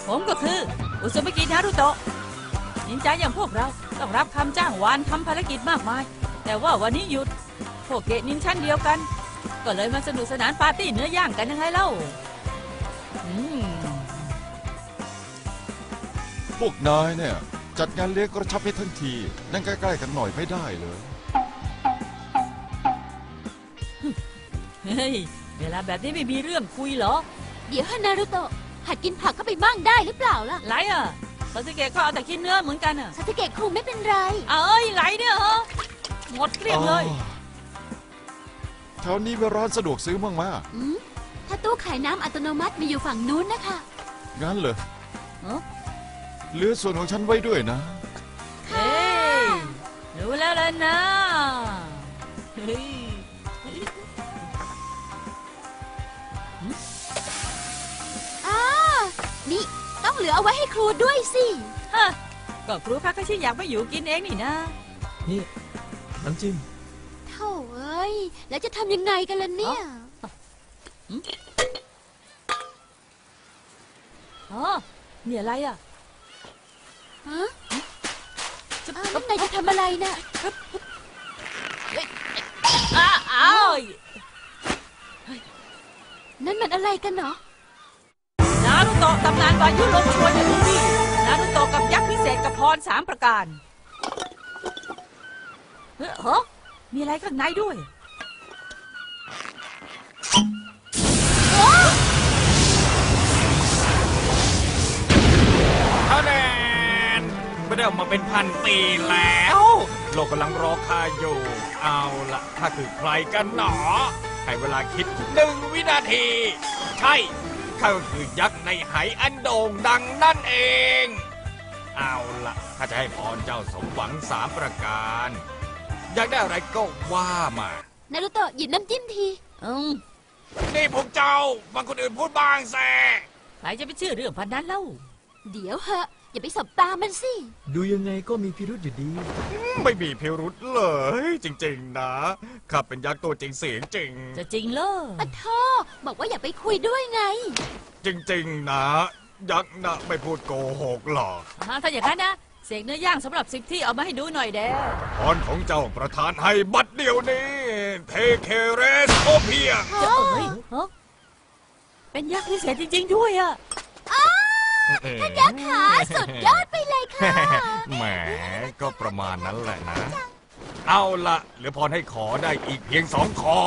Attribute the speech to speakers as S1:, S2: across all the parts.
S1: ผมก็คืออุซุมิกินารุโตะนินจาอย่างพวกเราต้องรับคำจ้างวานทำภารกิจมากมายแต่ว่าวันนี้หยุดพวกเกะนินชั้นเดียวกันก็เลยมาสนุกสนานปาร์ตี้เนื้อย่างกันยังไงเล่า
S2: พวกนายเนี่ยจัดงานเลี้ยงกระชับให้ทั้งทีนั่งใกล้ๆกันหน่อยไม่ได้เลย
S1: เฮ้ยเวลาแบบนี้ไม่มีเรื่องคุยเหรอ
S3: เดี๋ยวฮานารุโตะหัดกินผักเข้าไปบ้างได้หรือเปล่าล่ะ
S1: ไรอ่ะซาสึเกะก็เอาแต่กินเนื้อเหมือนกันอ่ะ
S3: ซาสึเกะคงไม่เป็นไร
S1: เอ้ยไรเนี่ยฮะหมดเกลี้ยงเลย
S2: แถวนี้มีร้านสะดวกซื้อบ้างไหม
S3: ถ้าตู้ขายน้ำอัตโนมัติมีอยู่ฝั่งนู้นนะคะ
S2: งั้นเหรอเหลือส่วนของฉันไว้ด้วยนะ
S1: เฮ้ยรู้แล้วล่ะนะ
S3: นี่ต้องเหลือเอาไว้ให้ครูด้วยสิ
S1: ฮะก็ครูพักก็ชิอยากไปอยู่กินเองนี่นะ
S4: นี่น้ำจิ้ม
S3: โถ่เอ้ยแล้วจะทำยังไงกันล่ะเนี่ย
S1: นี่อะไรอ่ะ
S3: แล้วนายจะทำอะไรน่ะนั่นมันอะไรกันเนาะ
S1: นารุโตะตำนานวายุลมชวนอย่างนี้นารุโตะกับยักษ์พิเศษกับพร3ประการมีอะไรข้างในด้วย
S5: คะแนนไม่ได้ออกมาเป็น1,000 ปีแล้วโลกกำลังรอข้าอยู่เอาละข้าคือใครกันหนอให้เวลาคิด1 วินาทีใช่ข้าก็คือยักษ์ในไหอันโด่งดังนั่นเองเอาละข้าจะให้พรเจ้าสมหวัง3 ประการอยากได้อะไรก็ว่ามา
S3: นารุโตะหยิบน้ำจิ้มที
S5: นี่พวกเจ้าฟังคนอื่นพูดบ้างแซ่
S1: ใครจะไปเชื่อเรื่องพันนั้นเล่า
S3: เดี๋ยวเหอะอย่าไปสบตามันสิ
S4: ดูยังไงก็มีพิรุธอยู่ดี
S5: ไม่มีพิรุธเลยจริงๆนะข้าเป็นยักษ์ตัวจริงเสียงจริง
S1: จะจริงเหรอ
S3: ปะท่อบอกว่าอย่าไปคุยด้วยไง
S5: จริงๆนะยักษ์นะไม่พูดโกหกหรอก
S1: ถ้าอย่างนั้นนะเสกเนื้อย่างสำหรับ10 ที่เอามาให้ดูหน่อยเด้
S5: พรของเจ้าประธานให้บัดเดียวนี้เทเคเรสโอเพีย
S1: จะเป็นยักษ์พิเศษจริงๆด้วยอ่ะ
S3: ท่านยักษ์ขาสุดยอดไปเลยค่ะ
S5: แหมก็ประมาณนั้นแหละนะเอาละเหลือพรให้ขอได้อีกเพียง2 ข้อ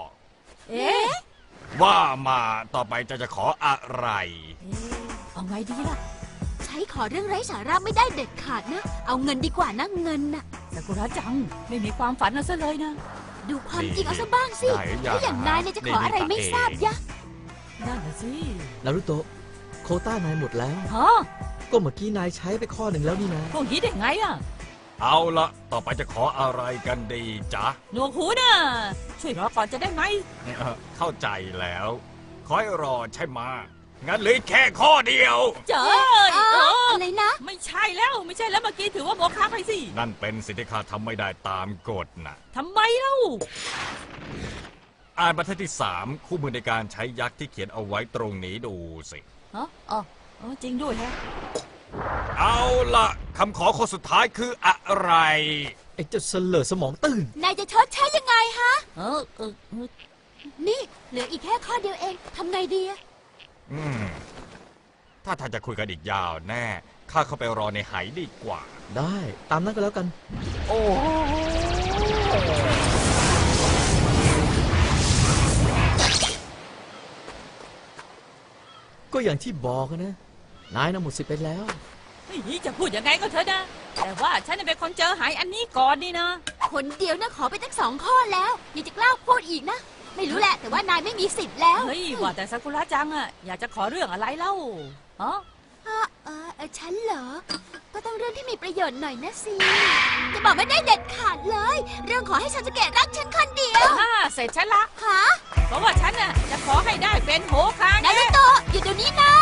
S5: ว่ามาต่อไปจะขออะไร
S1: เอาไงดีล่ะ
S3: ใช้ขอเรื่องไร้สาระไม่ได้เด็ดขาดนะเอาเงินดีกว่านะเงินน่ะ
S1: ซากุระจังไม่มีความฝันเอาซะเลยนะ
S3: ดูความจริงเอาซะบ้างสิถ้าอย่างนายจะขออะไรไม่ทราบยะ
S1: นั่นสิ
S4: นารุโตะโควต้านายหมดแล้วก็เมื่อกี้นายใช้ไปข้อ 1แล้วนี่นะ
S1: พวกนี้ได้ไงอ่ะ
S5: เอาละต่อไปจะขออะไรกันดีจ๊ะ
S1: หนวกหูนะช่วยรอก่อนจะได้ไหม
S5: เข้าใจแล้วขอให้รอใช่ไหมงั้นเหลือแค่ข้อเดียว
S1: เจ๋
S3: อะไรนะ
S1: ไม่ใช่แล้วเมื่อกี้ถือว่าโมฆะไปสิ
S5: นั่นเป็นสิ่งที่ข้าทำไม่ได้ตามกฎนะ
S1: ทำไมเล่า
S5: อ่านบรรทัดที่3คู่มือในการใช้ยักษ์ที่เขียนเอาไว้ตรงนี้ดูสิ
S1: จริงด้วยฮะ
S5: เอาละคำขอข้อสุดท้ายคืออะไร
S4: ไอ้เจ้าเสลอสมองตื่น
S3: นายจะชดใช้ยังไงฮะนี่เหลืออีกแค่ข้อเดียวเองทำไงดี
S5: ถ้าท่านจะคุยกันอีกยาวแน่ข้าเข้าไปรอในไหดีกว่า
S4: ได้ตามนั้นก็แล้วกัน
S5: โอ้
S4: ก็อย่างที่บอกนะนายน่ะหมดสิทธิ์ไปแล้ว
S1: จะพูดยังไงก็เถอะนะแต่ว่าฉันเป็นคนเจอหายอันนี้ก่อนนี่นะ
S3: คนเดียวนะขอไปตั้ง2 ข้อแล้วยังจะกล้าพูดอีกนะไม่รู้แหละแต่ว่านายไม่มีสิทธิ์แล้ว
S1: เฮ้ยว่าแต่ซากุระจังอะอยากจะขอเรื่องอะไรเล่า
S3: ฉันเหรอก็ต้องเรื่องที่มีประโยชน์หน่อยนะสิจะบอกไม่ได้เด็ดขาดเลยเรื่องขอให้ซาสึเกะรักฉันคนเดียว
S1: เสร็จฉันละเพราะว่าฉันน่ะจะขอให้ได้เป็นโฮคาเงะ
S3: นารุโตะอยู่เดี๋ยวนี้นะ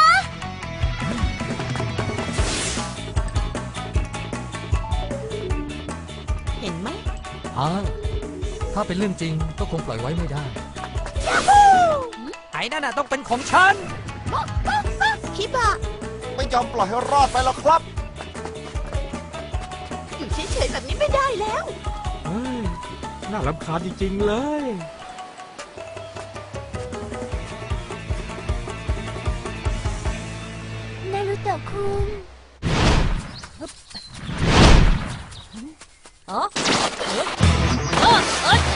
S1: เห็นไหม
S4: ถ้าเป็นเรื่องจริงก็คงปล่อยไว้ไม่ได้
S1: ไอ้นั่นน่ะต้องเป็นของฉัน
S3: คิบะ
S2: ไม่ยอมปล่อยให้รอดไปหรอกครับ
S6: อยู่เฉยๆแบบนี้ไม่ได้แล้ว
S5: เฮ้ย น่ารำคาญจริงๆเลย
S3: นารุโตะคุง
S1: เออเออเออ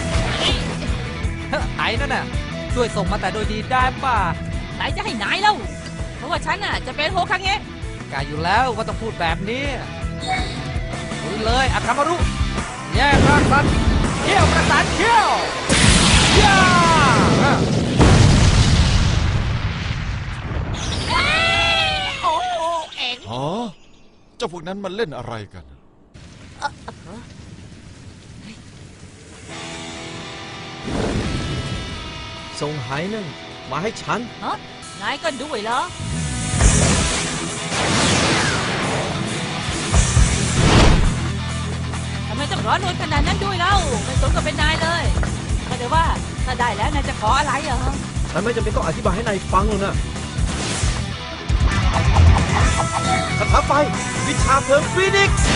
S7: ไอ้นั่นน่ะ ช่วยส่งมาแต่โดยดีได้ป่ะ
S1: ไหนจะให้นายเล่าเพราะว่าฉันน่ะจะเป็นโฮคังเงะ
S7: กายอยู่แล้วว่าต้องพูดแบบนี้ลุยเลยอาคามารุ แยกร่างสัตว์เขี้ยวประสานเขี้ยวย่า
S1: โอ้เอ็ง
S2: อ๋อ เจ้าพวกนั้นมันเล่นอะไรกัน
S4: ส่งไหนั่นมาให้ฉัน
S1: ฮะนายก็ด้วยเหรอทำไมต้องร้อนรนขนาดนั้นด้วยเล่าไม่สมกับเป็นนายเลยก็แต่ว่าถ้าได้แล้วนายจะขออะไรเหรอ
S4: ฉันไม่จำเป็นต้องอธิบายให้นายฟังหรอกนะคาถาไฟ วิชาเพลิงฟีนิกซ์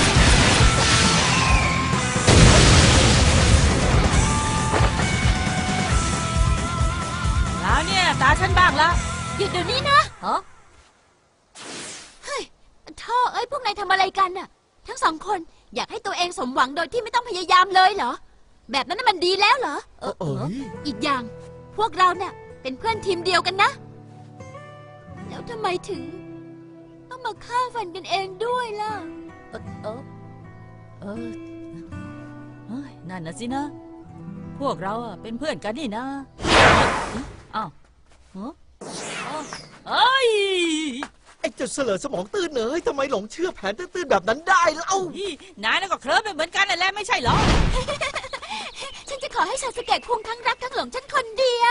S1: แล้วเนี่ยตาฉันบ้างละ
S3: หยุดเดี๋ยวนี้นะ
S1: ฮะ
S3: เฮ้ยท่อเอ้ยพวกนายทำอะไรกันน่ะ ทั้งสองคนอยากให้ตัวเองสมหวังโดยที่ไม่ต้องพยายามเลยเหรอ แบบนั้นน่ะมันดีแล้วเหรอ
S4: เอ้ย
S3: อีกอย่างพวกเราเนี่ยเป็นเพื่อนทีมเดียวกันนะ แล้วทำไมถึง ต้องมาฆ่าฟันกันเองด้วยล่ะ
S1: เออเออเออเฮ้ยนั่นน่ะสินะ พวกเราอะเป็นเพื่อนกันนี่นะอ้าวฮะอ้าวเอ้ย
S4: ไอ้เจ้าเสลอสมองตื้นเนยทำไมหลงเชื่อแผนตื้นๆแบบนั้นได้เล่า
S1: นายน่ะก็เคลิ้มไปเหมือนกันนั่นแหละไม่ใช่เหรอ
S3: ฉันจะขอให้ซาสเกะคุงทั้งรักทั้งหลงฉันคนเดียว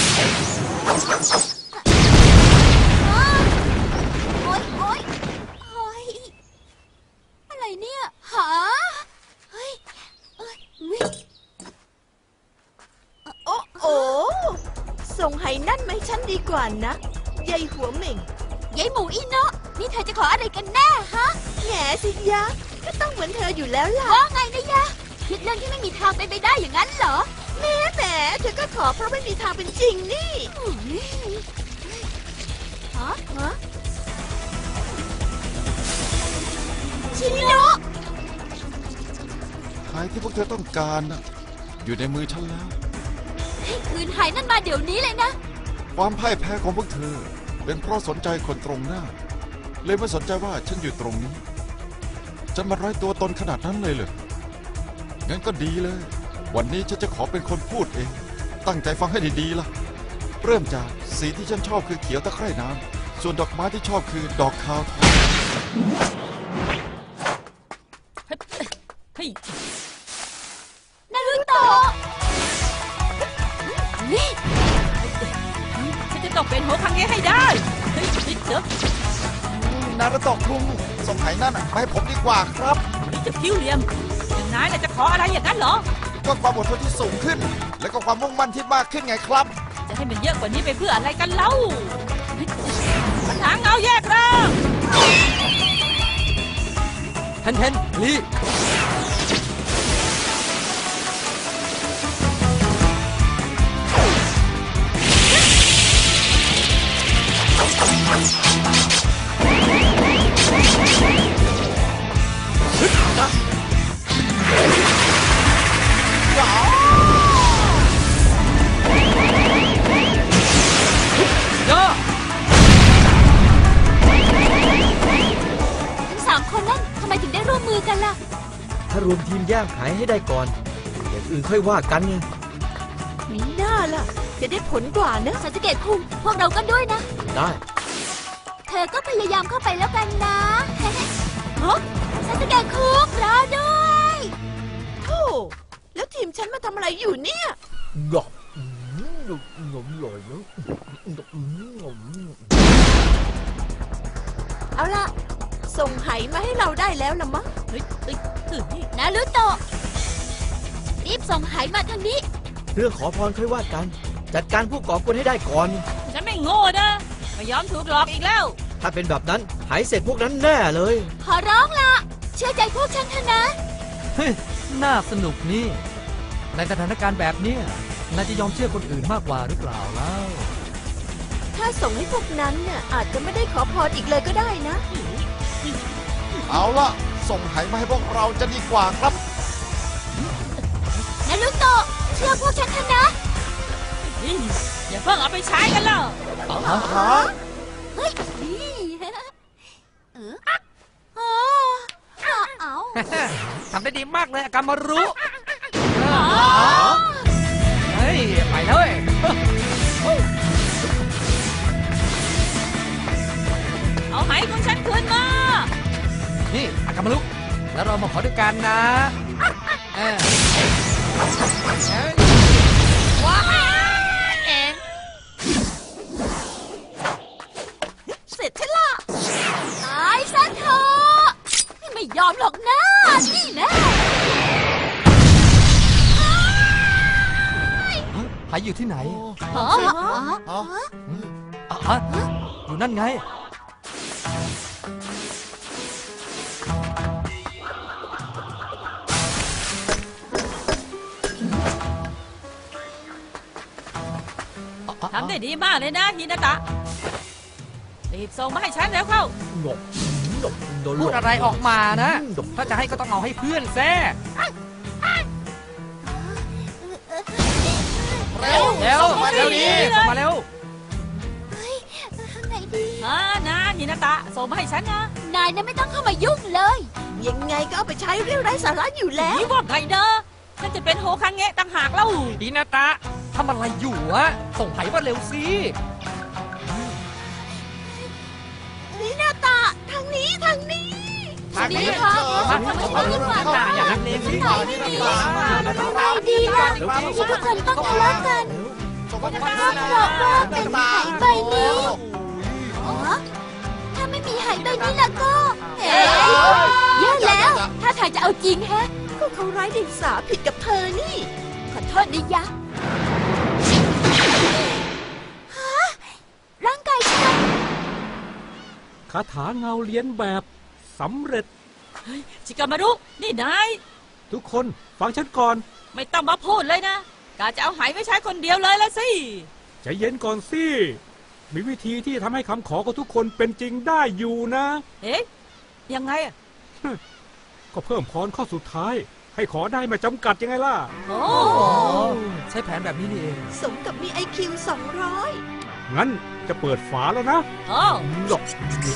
S3: โอ๊ยโอ๊ยโอ๊ยอะไรเนี่ยหาเฮ้ยเอ้ยวิ
S6: โอ้โอ้ส่งไหนั่นมาให้ฉันดีกว่านะยายหัวเหม่ง
S3: ยายหมูอีโนะนี่เธอจะขออะไรกันแน่ฮะ
S6: แหมสิยะ ก็ต้องเหมือนเธออยู่แล้วล่ะ
S3: ว่าไงนะยะคิดเรื่องที่ไม่มีทางเป็นไปได้อย่างนั้นเหรอ
S6: แหมเธอก็ขอเพราะไม่มีทางเป็นจริงนี่
S3: อุ๊ยฮะ
S6: ฮะ
S3: ชินโนะ
S2: หายที่พวกเธอต้องการนะอยู่ในมือฉันแล้ว
S3: ให้คืนหายนั่นมาเดี๋ยวนี้เลยนะ
S2: ความพ่ายแพ้ของพวกเธอ เป็นเพราะสนใจคนตรงหน้า เลยไม่สนใจว่าฉันอยู่ตรงนี้ ฉันมาไร้ตัวตนขนาดนั้นเลยเหรองั้นก็ดีเลย วันนี้ฉันจะขอเป็นคนพูดเอง ตั้งใจฟังให้ดีๆล่ะ เริ่มจากสีที่ฉันชอบคือเขียวตะไคร่น้ำส่วนดอกไม้ที่ชอบคือดอกคาวทอง
S1: เฮ้ย
S3: นารุโตะนี่
S1: ฉันจะต้องเป็นโฮคังเงะให้ได้เฮ้ยเดี๋ยว
S2: นารุโตะคุงส่งไหนั่นมาให้ผมดีกว่าครับ
S1: นี่จะคิ้วเหลี่ยมอย่างนายน่ะจะขออะไรอย่างนั้นเหรอ
S2: ก็ความอดทนที่สูงขึ้น และก็ความมุ่งมั่นที่มากขึ้นไงครับ
S1: จะให้มันเยอะกว่านี้ไปเพื่ออะไรกันเล่าปัญหาเงาแยกร่าง
S7: เทนเทนลี ย่า
S3: ทั้งสามคนนั่นทำไมถึงได้ร่วมมือกันล่ะ
S4: ถ้ารวมทีมแย่งหายให้ได้ก่อน อย่างอื่นค่อยว่ากันไง
S6: มีหน้าล่ะ จะได้ผลกว่านะ
S3: ซาสเกะคุงพวกเราก็ด้วยนะ
S4: ได้
S3: เธอก็พยายามเข้าไปแล้วกันนะ ฮะซาสเกะคุงรอด้วย
S6: โธ่แล้วทีมฉันมาทำอะไรอยู่เนี่ย
S4: งอกงมลอยแล้ว
S6: เอาล่ะ ส่งไหมาให้เราได้แล้วละมั้ง
S1: เฮ้ยเฮ้ยเฮ้ย
S3: นารุโตะรีบส่งหายมาทางนี้
S4: เรื่องขอพรค่อยว่ากัน จัดการผู้ก่อกวนให้ได้ก่อน
S1: ฉันไม่โง่นะไม่ยอมถูกหลอกอีกแล้ว
S4: ถ้าเป็นแบบนั้นหายเสร็จพวกนั้นแน่เลย
S3: ขอร้องละเชื่อใจพวกฉันเถอะนะ
S7: เฮ้ย น่าสนุกนี่ ในสถานการณ์แบบเนี้ยนายจะยอมเชื่อคนอื่นมากกว่าหรือเปล่าแล้ว
S6: ถ้าส่งให้พวกนั้นเนี่ยอาจจะไม่ได้ขอพรอีกเลยก็ได้นะ
S2: เอาละส่งไหมาให้พวกเราจะดีกว่าครับ
S3: นารุโตะเชื่อพวกฉันเถอะนะ
S1: นี่อย่าเพิ่งเอาไปใช้กันแล้ว
S3: เฮ้ยนี่เอา
S7: ทำได้ดีมากเลยอากามารุเฮ้ย ไปเลย
S1: เอาไหของฉันคืนมา
S7: นี่อากามารุแล้วเรามาขอด้วยกันนะเออว้าวเอง
S3: เสร็จฉันละตายซะเถอะไม่ยอมหรอกนะนี่แน่
S7: หายอยู่ที่ไหน
S3: อ๋อ
S7: ฮะอยู่นั่นไง
S1: ทำได้ดีมากเลยนะฮินาตะ รีบส่งมาให้ฉันแล้วเข้า
S4: หลบหลบโดนหล
S7: พู
S4: บ
S7: ดอะไรออกมานะ ถ้าจะให้ก็ต้องเอาให้เพื่อนแซ่
S1: เร็ว
S7: เร็ว
S1: ส่งมา
S7: เร็ว
S1: ดี
S7: นี้
S1: เล
S7: ส่ง
S1: ย
S7: มาเร็ว
S3: ไหนดี
S1: นะฮินาตะ ส่งมาให้ฉันนะ
S3: นายน่ะไม่ต้องเข้ามายุ่งเลย
S6: ยังไงก็เอาไปใช้เรื่องไร้สาระอยู่แล้ว
S1: นี่ว่าไงเด้อฉันจะเป็นโฮคังเงะต่างหากเล่า
S7: ดีนาตะทำอะไรอยู่อะส่งไผ่มาเร็วสิ
S6: นี่หน้าตาทางนี้ทางนี้
S7: ทางนี้
S3: ดีค่ะ
S7: ทางนี้อย่าลังเลสิ
S3: ไหนดีไม่ดีล่ะที่ทุกคนต้องทะเลาะกันก็เพราะว่าเป็นหายใบนี้อ๋อถ้าไม่มีหายใบนี้แล้วก็เอ๊ะแย่แล้ว ถ้าทางจะเอาจริงแฮะ
S6: ก็เขาไร้เดียงสาผิดกับเธอนี่
S3: ขอโทษนะยะฮะร่างกายฉัน
S8: คาถาเงาเลี้ยนแบบสำเร็จ
S1: ชิกามารุนี่นาย
S8: ทุกคนฟังฉันก่อน
S1: ไม่ต้องมาพูดเลยนะกาจะเอาไหไว้ใช้คนเดียวเลยละสิ
S8: ใจเย็นก่อนสิ มีวิธีที่ทำให้คำขอของทุกคนเป็นจริงได้อยู่นะ
S1: เอ๊ะยังไงอะ
S8: ก็เพิ่มพรข้อสุดท้าย ให้ขอได้ไมาจำกัดยังไงล่ะ
S1: โอ้
S7: ใช้แผนแบบนี้นี่เอง
S6: สมกับมี IQ 200
S8: งั้นจะเปิดฝาแล้วนะ
S1: โอ้
S4: หลบ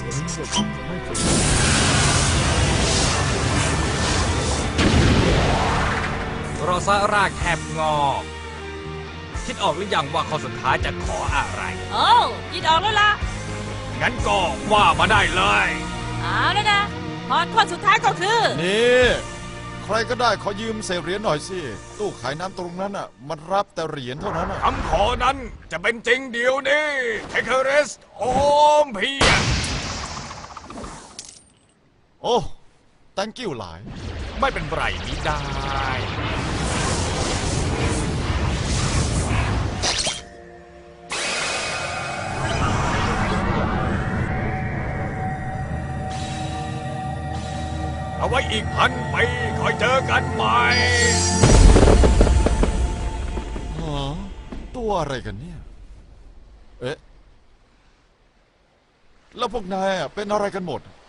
S5: รอซะรากแทบงอกคิดออกหรือยังว่าข้อสุดท้ายจะขออะไร
S1: โอ้ยินออกแล้วล่ะ
S5: งั้นก็ว่ามาได้เลย
S1: เอาแล้วนะพรข้อสุดท้ายก็คือ
S2: นี่ใครก็ได้ขอยืมเศษเหรียญหน่อยสิ ตู้ขายน้ำตรงนั้นอ่ะ มันรับแต่เหรียญเท่านั้นอ่ะ
S5: คำขอนั้นจะเป็นจริงเดี๋ยวนี้เทคเรสโอมเพียร
S2: โอ้ thank you หลาย
S5: ไม่เป็นไรมิได้ เอาไว้อีก1,000 ปีคอยเจอกันใหม่
S2: ตัวอะไรกันเนี่ย เอ๊ะ แล้วพวกนายอะเป็นอะไรกันหมด